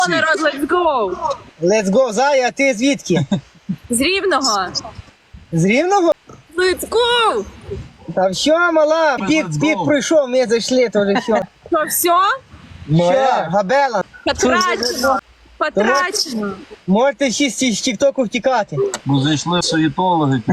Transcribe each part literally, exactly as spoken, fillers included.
Народ, let's go! Let's go, Зая, а ти звідки? З Рівного! З Рівного? Let's go! Та що, мала, пік, пік пройшов, ми зайшли, то вже все. Що, все? Що, Габела, Потрачено! Потрачено! можете всі з з тік-току втікати. Бо зайшли суєтологи.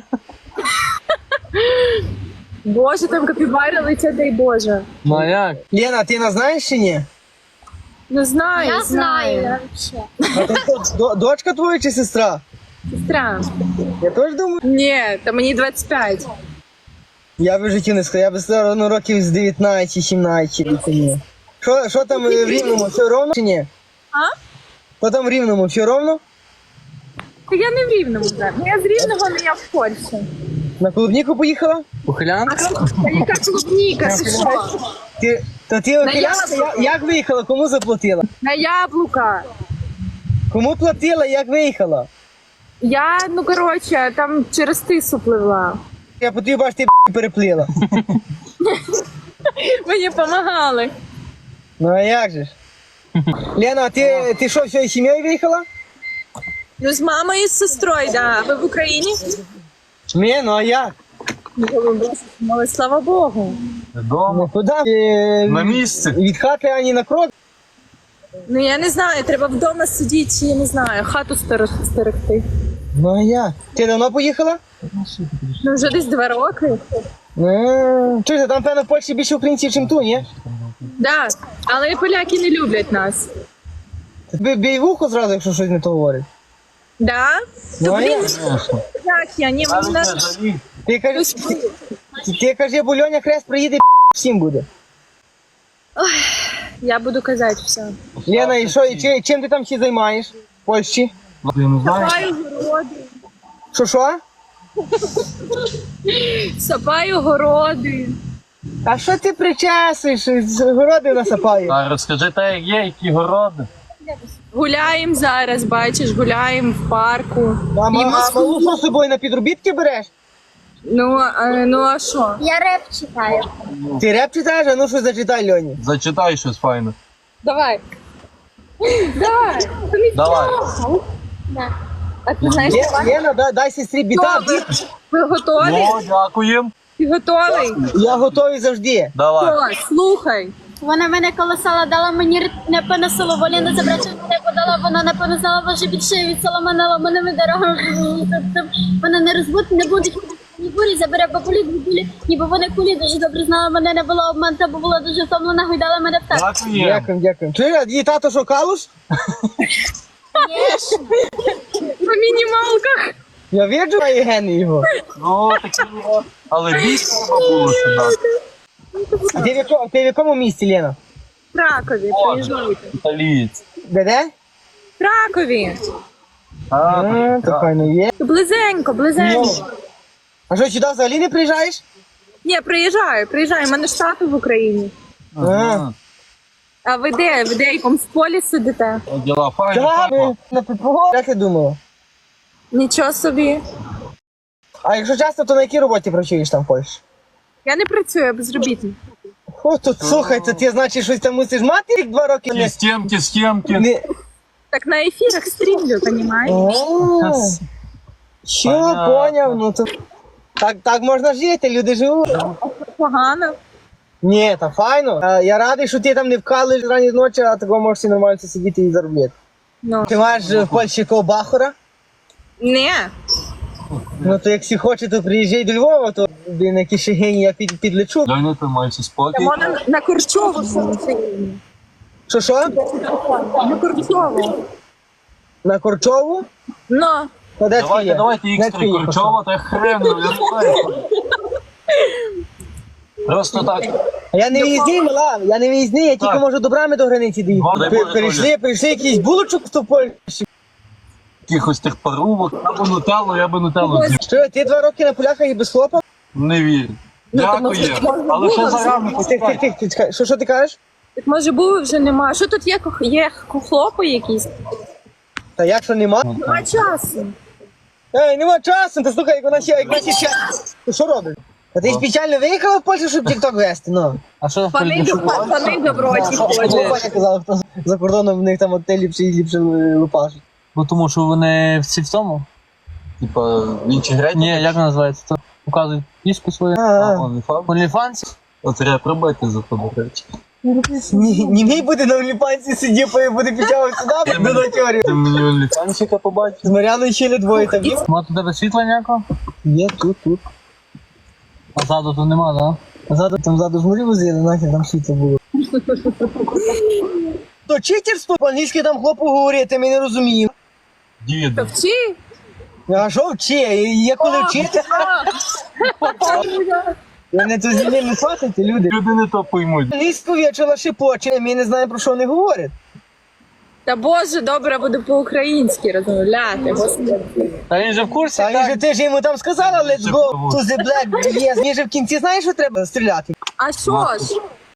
Боже, там капібари летять, дай Боже. Ну а як? Лена, ти нас знаєш чи ні? Ну знаю, Я знаю. знаю. А то хто, до- дочка твоя чи сестра? Сестра. Я теж думаю. Ні, та мені двадцять п'ять. Я би в житті не сказав, я би сказав, ну, років з дев'ятнадцять сімнадцять. Ні. Що, що там е, в Рівному, все ровно чи ні? А? Що там в Рівному, все ровно? Та я не в Рівному, так. Ну, я з Рівного, але я в Польщі. На клубніку поїхала? Ухилян? Та яка клубніка, ти що? Ти, то ти охилянка, як, як виїхала, кому заплатила? На яблука. Кому платила, як виїхала? Я, ну коротше, там через тису пливла. Я по тобі бачу, ти переплила. Мені допомагали. Ну а як же ж? Лена, а ти, ти що, всією сім'єю виїхала? Ну, з мамою і з сестрою, да. Ви в Україні? Ні, ну а як? Ну, слава Богу. Дома. Ну куди? Е, На місці. Від хати ані на крок. Ну, я не знаю, треба вдома сидіти, чи я не знаю, хату стерег- стерегти. Ну а як? Ти давно поїхала? Ну, вже десь два роки. Ну, чуєте, там, певно, в Польщі більше українців, ніж тут, ні? Да, але поляки не люблять нас. Бій, бій вухо зразу, якщо щось не то говорить. Да? Ну, То, а блін, як? як я? Ні, мені Навіть надо... не жалій. Ти кажи, ти, ти кажи, бо Льоня Хрест приїде, всім буде. Я буду казати все. Лена, і що, і чи- чим ти там всі займаєш? В Польщі? Ну, ти не знаєш? Сапаю городи. Що, що? Сапаю городи. А що ти причесуєш? З городи насапаю. А розкажи те, як є, які городи. Гуляємо зараз, бачиш, гуляємо в парку. А, ма- Їмо а малу що з собою на підробітки береш? Ну, а, ну а що? Я реп читаю. Ти реп читаєш, а ну щось зачитай, Льоні. Зачитай щось файне. Давай. Давай. Давай. Да. А ти знаєш, Ле- Лена, дай, дай сестрі біта. ви, ви готові? Ну, дякуємо. Ти готовий? Я готовий завжди. Давай. Що, слухай. Вона мене колесала, дала мені р- не понесило, волі не забрати, не подала, вона не понесла, ваше більше від соломанала, мене дорога. Вона не розбут, не будуть ні бурі, забере бабулі, бабулі, ніби вони кулі дуже добре знала, мене не було обманта, бо була дуже втомлена, гойдала мене в так. Дякуємо. Дякую, дякую. Чуєш, а її тато що, калуш? По мінімалках. Я віджу мої гени його. Ну, такі його. Але більше треба було сюди. А ти в якому, ти в якому місті, Лена? В Кракові, приїжджайте. Італієць. Де де? В Кракові. А, А, то так. файно є. Близенько, близенько. А що, сюди взагалі не приїжджаєш? Ні, приїжджаю, приїжджаю. У мене ж тато в Україні. Ага. А ви де? Ви де якомусь полі сидите? Діла файні. Так, папа. на підпого. Як ти думала? Нічого собі. А якщо часто, то на якій роботі працюєш там в Польщі? Я не працюю, я безробітна. О, тут слухай, то ти, значить, щось там мусиш мати рік два роки? Ті Не... стінки, стінки. не... Так на ефірах стрімлю, понімаєш? О, що, Понятно. поняв, ну то... Так, так можна жити, люди живуть. Погано. Ні, та файно. А, я радий, що ти там не вкалуєш рані ночі, а такого можеш і нормально сидіти і заробляти. Ну. Ти маєш е, в Польщі якого бахора? Не. Ну то як всі хоче, то приїжджай до Львова, то блін, які шегині я під, підлечу. Льоня, ти маєшся спокій. Можна на, на Корчову сидіти. Що що? На Корчову. На Корчову? Ну. То де ти Давайте, є? давайте Де ікс ти три є? Корчова, та хрен, я не знаю. Просто так. А я не виїзний, мала, я не виїзний, я тільки Так. можу добрами до границі доїхати. Дай Пер- Боже, Перейшли, перейшли якийсь булочок в Польщі. Якихось тих парубок. Я би нутелло, я би нутелло з'їв. Що, ти два роки на поляках і без хлопа? Не вірю. Дякую. Але ще зарано Тих, тих, почекай. тих, ти чекай. Що, що ти кажеш? Так може були вже нема. Що тут є? кох- Є хлопи якісь? Та як що нема? Нема часу. Ей, нема часу, та слухай, як вона ще, як вона ще час. Ти що робиш? А ти спеціально виїхала в Польщу, щоб тік-ток вести, ну? А що в Пани, політику? пани доброті Що ходять. Паня казала, хто за кордоном в них там от те ліпше і ліпше лупашуть. Бо тому що вони всі в цьому? Типа в іншій грі. Ні, як вона називається? То показують пішку свою. А, А, а. OnlyFans? OnlyFans? От треба пробити за то, до речі. Ні, ні мій буде на оліпанці сидів, буде підтягувати сюди, до натьорів. Ти мені OnlyFansіка побачив? З Мар'яною ще двоє там є. Ма тут тебе світла ніякого? Є, тут, тут. А ззаду тут нема, да? Ззаду, там ззаду ж морі возили, нахер там світло було. То читерство, по-англійськи там хлопу говорити, ми не розуміємо. Діду. Вчи. А що вчи? Є коли вчити? Ви не то зі не хватите, люди. Люди не то поймуть. Англійську вічила шипоче, ми не знаємо, про що вони говорять. Та боже, добре, буду по-українськи розмовляти. Господи. Та він же в курсі, А він так? же ти ж йому там сказала, let's go to the black, yes. Він же в кінці знаєш, що треба стріляти? А що ж?